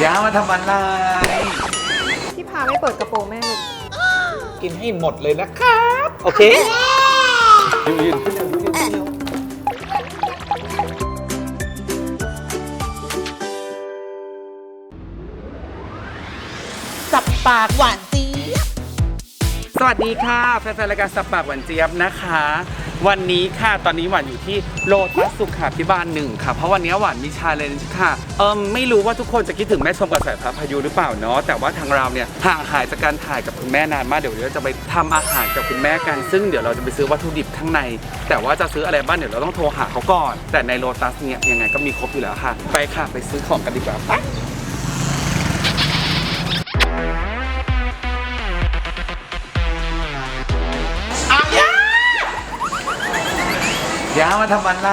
ย่ามาทำอะไรพี่พาไม่เปิดกระโปรงแม่เลยกินให้หมดเลยนะครับโอเคยืนขึ้นเร็วยืนขึ้นเร็วสับปากหวานเจี๊ยบสวัสดีค่ะแฟนๆรายการสับปากหวานเจี๊ยบนะคะ วันนี้ค่ะตอนนี้หวานอยู่ที่โลตัสสุขาภิบาล1ค่ะเพราะวันนี้หวานมีชาเลนจ์ค่ะไม่รู้ว่าทุกคนจะคิดถึงแม่ชมกับสายฟ้าพายุหรือเปล่าเนาะแต่ว่าทางเราเนี่ยห่างหายจากการถ่ายกับคุณแม่นานมากเดี๋ยวเราจะไปทำอาหารกับคุณแม่กันซึ่งเดี๋ยวเราจะไปซื้อวัตถุดิบข้างในแต่ว่าจะซื้ออะไรบ้างเดี๋ยวเราต้องโทรหาเขาก่อนแต่ในโลตัสเนี่ยยังไงก็มีครบอยู่แล้วค่ะไปค่ะไปซื้อของกันดีกว่าไปย่ามาทำอะไร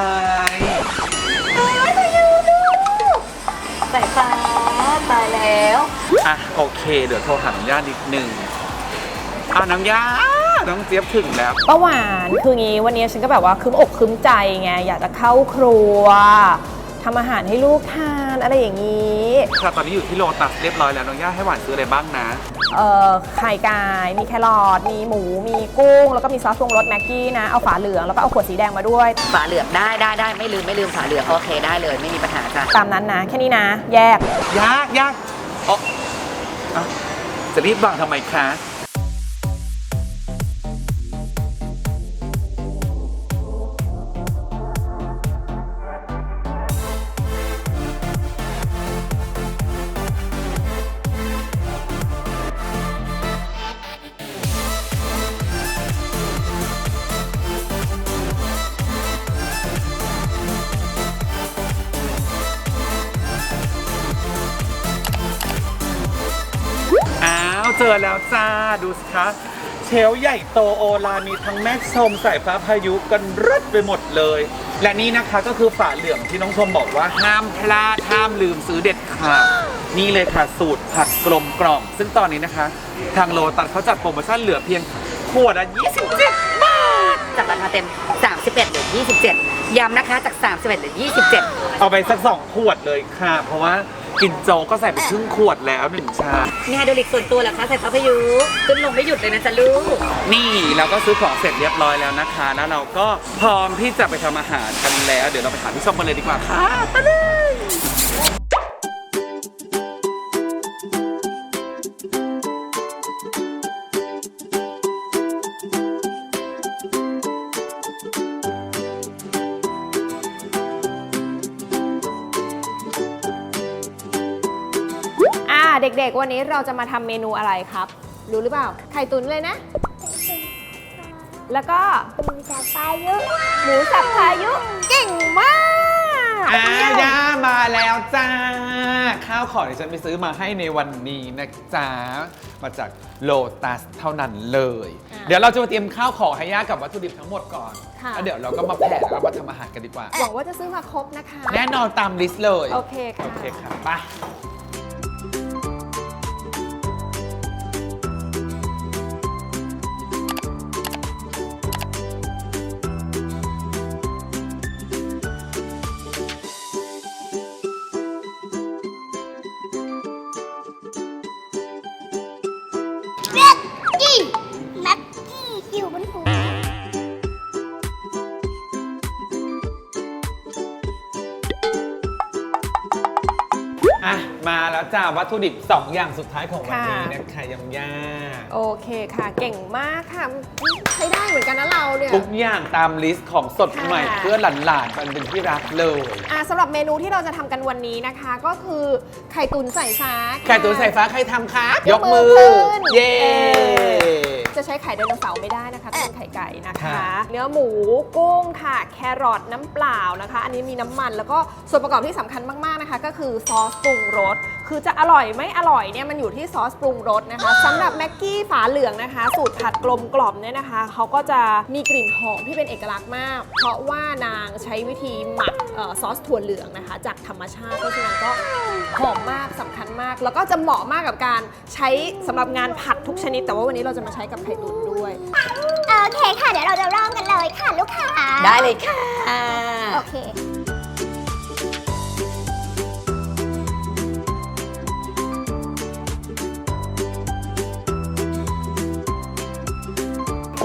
สายฟ้าตายแล้วอ่ะโอเคเดี๋ยวโทรหาน้องย่านิดนึงน้องย่าน้องเจี๊ยบถึงแล้วป้าหวานคืองี้วันนี้ฉันก็แบบว่าคึ้มอกคึ้มใจไงอยากจะเข้าครัวทำอาหารให้ลูกทานอะไรอย่างนี้ค่ะตอนนี้อยู่ที่โลตัสเรียบร้อยแล้วน้องย่าให้หวานซื้ออะไรบ้างนะไข่ไก่มีแครอทมีหมูมีกุ้งแล้วก็มีซอสปรุงรสแม็กกี้นะเอาฝาเหลืองแล้วก็เอาขวดสีแดงมาด้วยฝาเหลืองได้ไม่ลืมฝาเหลืองโอเคได้เลยไม่มีปัญหาจ้ะตามนั้นนะแค่นี้นะแยกยากอ๋ออ่ะจะรีบวางทำไมคะเจอแล้วจ้าดูสิคะเชลฟ์ใหญ่โตโอลานมีทั้งแม่ชมสายฟ้าพายุกันรึดไปหมดเลย และนี่นะคะก็คือฝาเหลืองที่น้องชมบอกว่าห้ามพลาดห้ามลืมซื้อเด็ดขาดนี่เลยค่ะสูตรผัดกลมกล่อมซึ่งตอนนี้นะคะทางโลตัสเขาจัดโปรโมชั่นเหลือเพียงขวดละ27 บาทจากราคาเต็ม31เหลือ27ย้ำนะคะจาก31เหลือ27 เอาไปสัก2 ขวดเลยค่ะเพราะว่ากินโจ๊กก็ใส่ไปครึ่งขวดแล้ว1 ชามมีไฮโดรลิกส่วนตัวเหรอคะสายฟ้าพายุขึ้นลงไม่หยุดเลยนะจ๊ะลูกนี่เราก็ซื้อของเสร็จเรียบร้อยแล้วนะคะแล้วเราก็พร้อมที่จะไปทำอาหารกันแล้วเดี๋ยวเราไปหาพี่ส้มกันเลยดีกว่าค่ะไปเลยเด็กๆวันนี้เราจะมาทำเมนูอะไรครับรู้หรือเปล่าไข่ตุ๋นเลยนะแล้วก็หมูสับพายุเก่งมากย่ามาแล้วจ้าข้าวของที่ฉันไปซื้อมาให้ในวันนี้นะจ๊ะมาจากโลตัสเท่านั้นเลยเดี๋ยวเราจะมาเตรียมข้าวของให้ย่ากับวัตถุดิบทั้งหมดก่อนแล้วเดี๋ยวเราก็มาแผ่แล้วก็มาทำอาหารกันดีกว่าหวังว่าจะซื้อมาครบนะคะแน่นอนตามลิสต์เลยโอเคค่ะโอเคค่ะไปแม็กกี้อยู่บนหัวมาแล้วจ้าวัตถุดิบ2 อย่างสุดท้ายของวันนี้นะคะยำย่าโอเคค่ะเก่งมากค่ะใช้ได้เหมือนกันนะเราเนี่ยทุกอย่างตามลิสต์ของสดใหม่เพื่อหลานๆมันเป็นที่รักเลยสำหรับเมนูที่เราจะทำกันวันนี้นะคะก็คือไข่ตุ๋นสายฟ้าไข่ตุ๋นสายฟ้าใครทำคะยกมือเย้จะใช้ไข่ไดโนเสาร์ไม่ได้นะคะเป็นไข่ไก่นะคะเนื้อหมูกุ้งค่ะแครอทน้ำเปล่านะคะอันนี้มีน้ำมันแล้วก็ส่วนประกอบที่สำคัญมากๆนะคะก็คือซอสปรุงรสคือจะอร่อยไม่อร่อยเนี่ยมันอยู่ที่ซอสปรุงรสนะคะสำหรับแม็กกี้ฝาเหลืองนะคะสูตรผัดกลมกล่อมเนี่ยนะคะเขาก็จะมีกลิ่นหอมที่เป็นเอกลักษณ์มากเพราะว่านางใช้วิธีหมักซอสถั่วเหลืองนะคะจากธรรมชาติเพราะฉะนั้นก็หอมมากสำคัญมากแล้วก็จะเหมาะมากกับการใช้สำหรับงานผัดทุกชนิดแต่ว่าวันนี้เราจะมาใช้กับไข่ตุ๋นด้วยโอเคค่ะเดี๋ยวเราจะเริ่มกันเลยค่ะลูกค้าได้เลยค่ะโอเค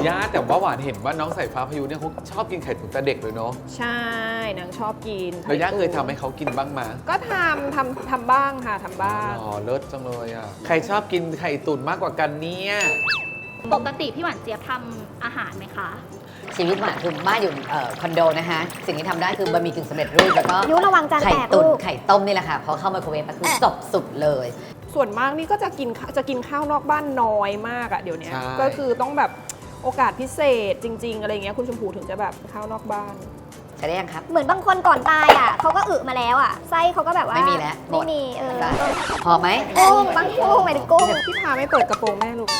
ย่าแต่ว่าหวานเห็นว่าน้องสายฟ้าพายุเนี่ยเขาชอบกินไข่ตุ๋นแต่เด็กเลยเนาะใช่นางชอบกินแล้วย่าเคยทำให้เขากินบ้างมาก็ทำบ้างค่ะทำบ้างอ๋อเลิศจังเลยอ่ะใครชอบกินไข่ตุ๋นมากกว่ากันเนี่ยปกติพี่หวานเจี๊ยบทำอาหารไหมคะชีวิตหวานคือบ้านอยู่คอนโดนะคะสิ่งที่ทำได้คือบะหมี่กึ่งสำเร็จรูปแล้วก็ยุระวังจานไข่แตกตุ๋นลูกไข่ต้มนี่แหละค่ะพอเข้าไมโครเวฟก็คือจบสุดเลยส่วนมากนี่ก็จะกินข้าวนอกบ้านน้อยมากอะเดี๋ยวนี้ใช่ก็คือต้องแบบโอกาสพิเศษจริง ๆ อะไรเงี้ยคุณชมพูถึงจะแบบข้าวนอกบ้านใช้ได้ยังครับเหมือนบางคนก่อนตายอ่ะเขาก็อึมาแล้วอ่ะไส้เขาก็แบบว่าไม่มีแล้วหมไม่ดมีได้พอไหมกุ้งบางกุ้งหมายถึงกุ้งพี่พาไม่เปิดกระโปรงแม่ลูก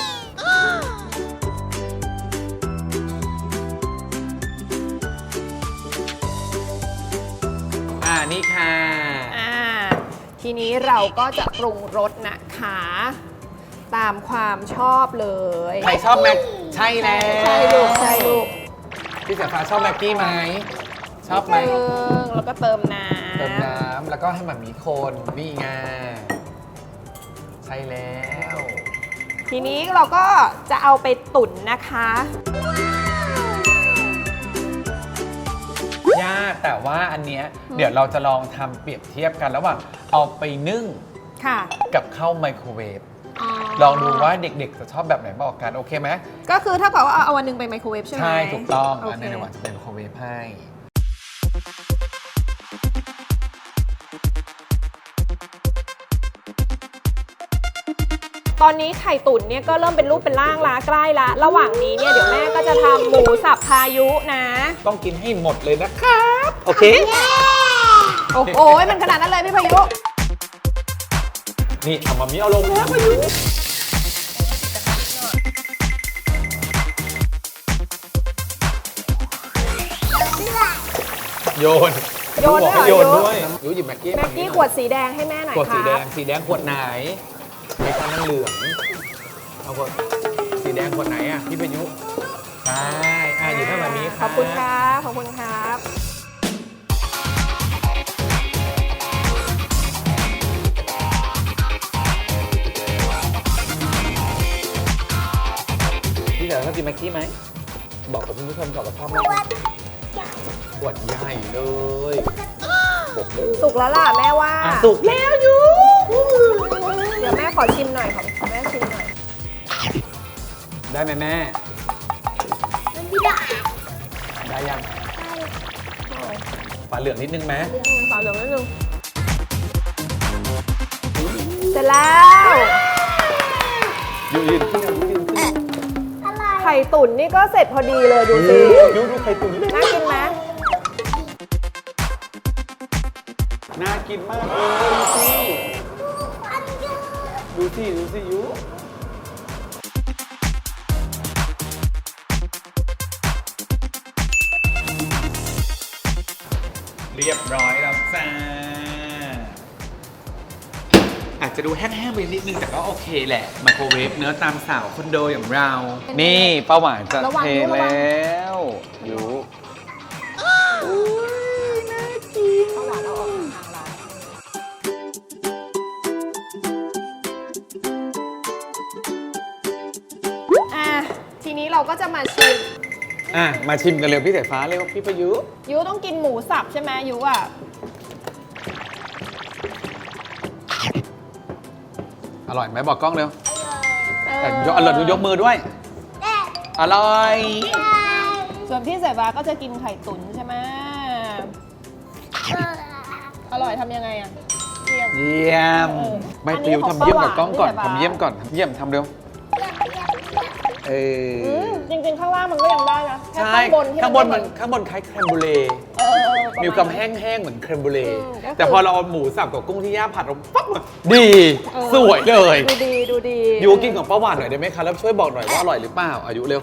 นี่ค่ะทีนี้เราก็จะปรุงรสนะคะ ตามความชอบเลยใครชอบแม็กใช่แล้วใช่ลูกใช่ลูกพี่สายฟ้าชอบแม็กกี้ไหมชอบไหมแล้วก็เติมน้ำเติมน้ำแล้วก็ให้มันมีคนนี่ไงใช่แล้วทีนี้เราก็จะเอาไปตุ๋นนะคะย่าแต่ว่าอันเนี้ยเดี๋ยวเราจะลองทำเปรียบเทียบกันระหว่างเอาไปนึ่งค่ะกับเข้าไมโครเวฟลองดูว่าเด็กๆจะชอบแบบไหนบอกกันโอเคไหมก็คือถ้าเกิดว่าเอาวันหนึงไปไมโครเวฟใช่ไหมใช่ถูกต้องโอันนี้เดี๋ยวหวานจะเป็นไมโครเวฟให้ตอนนี้ไข่ตุ๋นเนี่ยก็เริ่มเป็นรูปเป็นร่างละใกล้ละระหว่างนี้เนี่ยเดี๋ยวแม่ก็จะทำหมูสับพายุนะต้องกินให้หมดเลยนะครับโอเคโอ้โหมันขนาดนั้นเลยพี่พายุนี่เอามามีเอาลงแล้วพายุโยนโยนบอกให้ด้วยเหรอโยนด้วยยูหยิบแม็กกี้แม็กกี้ขวดสีแดงให้แม่หน่อยขวดคสีรับแดงสีแดงขวดไหนไม่ใช่นั่นเหลืองเอาขวดสีแดงขวดไหนอ่ะพี่พายุใช่หยิบให้แบบนี้ขอบคุณครับขอบคุณครับพี่เต๋อชอบกินแม็กกี้ไหมบอกกับคุณผู้ชมก่อนว่าชอบไหมขวดใหญ่เลยบอกเลยสุกแล้วล่ะแม่ว่าสุกแล้วอยู่เดี๋ยวแม่ขอชิมหน่อยขอแม่ชิมหน่อยได้ไหมแม่ได้ยังฝาเหลืองนิดนึงไหมฝาเหลืองนิดนึงเสร็จแล้วยืนขึ้นยืนขึ้นไข่ตุ๋นนี่ก็เสร็จพอดีเลยดูสิดูไข่ตุ๋นดิน่ากินไหมน่ากินมากเลยดูสิยูเรียบร้อยแล้วจ้าอาจจะดูแห้งๆไปนิดนึงแต่ก็โอเคแหละไมโครเวฟเนื้อตามสาวคอนโดอย่างเรา นี่ป้าหวานจะเทแล้วยูน่ากินข้าวหวานเราออกทางร้านทีนี้เราก็จะมาชิมมาชิมกันเร็วพี่สายฟ้าเร็วพี่ประยุยูต้องกินหมูสับใช่ไหมยูอ่ะอร่อยไหมบอกกล้องเร็วแต่อร่อยดูยกมือด้วย อร่อยส่วนพี่สายฟ้าก็จะกินไข่ตุ๋นใช่ไหมอร่อยทำยังไงอ่ะเยี่ยมเยี่ยม ไม่ปลิวทำเยี่ยมกับกล้องก่อนทำเยี่ยมก่อนทำเยี่ยมทำเร็วจริงๆข้างล่างมันก็ยังได้นะแค่ใช่ข้างบนที่ข้างบนคล้ายแครมบูเล่ประาณมีความแห้งๆเหมือนแครมบูเล่ก็คือแต่พอเราเอาหมูสับกับกุ้งที่ย่าผัดเราปั๊บดี สวยเลยดูดียูกินของป้าหวานหน่อยได้ไหมคะแล้วช่วยบอกหน่อยว่าอร่อยหรือเปล่าอายุเร็ว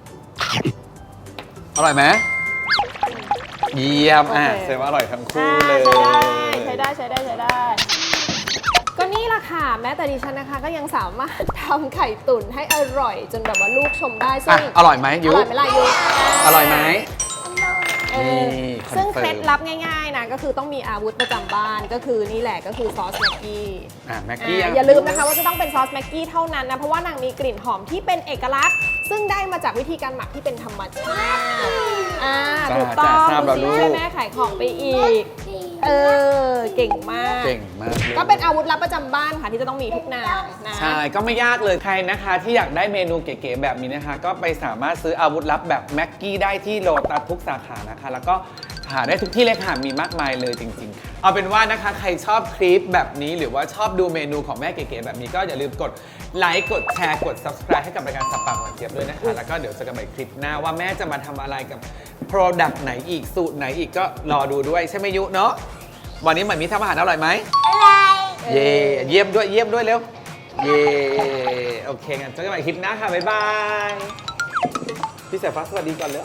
อร่อยไหมเยี่ยมแสดงว่าอร่อยทั้งคู่เลยใช้ได้ก็นี่แหละค่ะแม้แต่ดิฉันนะคะก็ยังสามารถทำไข่ตุ๋นให้อร่อยจนแบบว่าลูกชมได้ซึ่งอร่อยไหมยูอร่อยไหมล่ะยูอร่อยไหมนี่ ซึ่งคอนเฟิร์มเคล็ดลับง่ายๆนะก็คือต้องมีอาวุธประจำบ้านก็คือนี่แหละก็คือซอสแม็กกี้แม็กกี้อย่าลืมนะคะว่าจะต้องเป็นซอสแม็กกี้เท่านั้นนะเพราะว่านางมีกลิ่นหอมที่เป็นเอกลักษณ์ซึ่งได้มาจากวิธีการหมักที่เป็นธรรมชาติจ้าถูกต้องทราบแล้วลูกช่วยแม่ขายของไปอีกเก่งมากเก่งมากลยก็เป็นอาวุธลับประจำบ้านค่ะที่จะต้องมีทุกนางนะใช่ ก็ไม่ยากเลยใครนะคะที่อยากได้เมนูเก๋ๆแบบนี้นะคะ ก็ไปสามารถซื้ออาวุธลับแบบแม็กกี้ได้ที่โลตัสทุกสาขานะคะ แล้วก็หาได้ทุกที่เลยค่ะมีมากมายเลยจริงๆค่ะเอาเป็นว่านะคะใครชอบคลิปแบบนี้หรือว่าชอบดูเมนูของแม่เก๋ๆแบบนี้ก็อย่าลืมกดไลค์กดแชร์กด subscribe ให้กับรายการสับปากหวานเจี๊ยบด้วยนะคะแล้วก็เดี๋ยวเจอกันใหม่คลิปหน้าว่าแม่จะมาทำอะไรกับ Product ไหนอีกสูตรไหนอีกก็รอดูด้วยใช่ไหมยุเนาะวันนี้เหมือนมีทำอาหารอร่อยไหมอะไรเย่เยี่ยมด้วยเร็ว เย่โอเคงั้นเจอกันใหม่คลิปหน้าค่ะ บ๊ายบาย พี่สายฟ้าสวัสดีก่อนเลย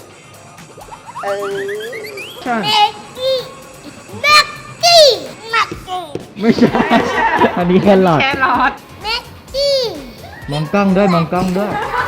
เบกกี้เบกกี้เบกกี้ไม่ใช่ อันนี้แครอทแครอทเบกกี้มองกล้องด้วย มองกล้องด้วยโ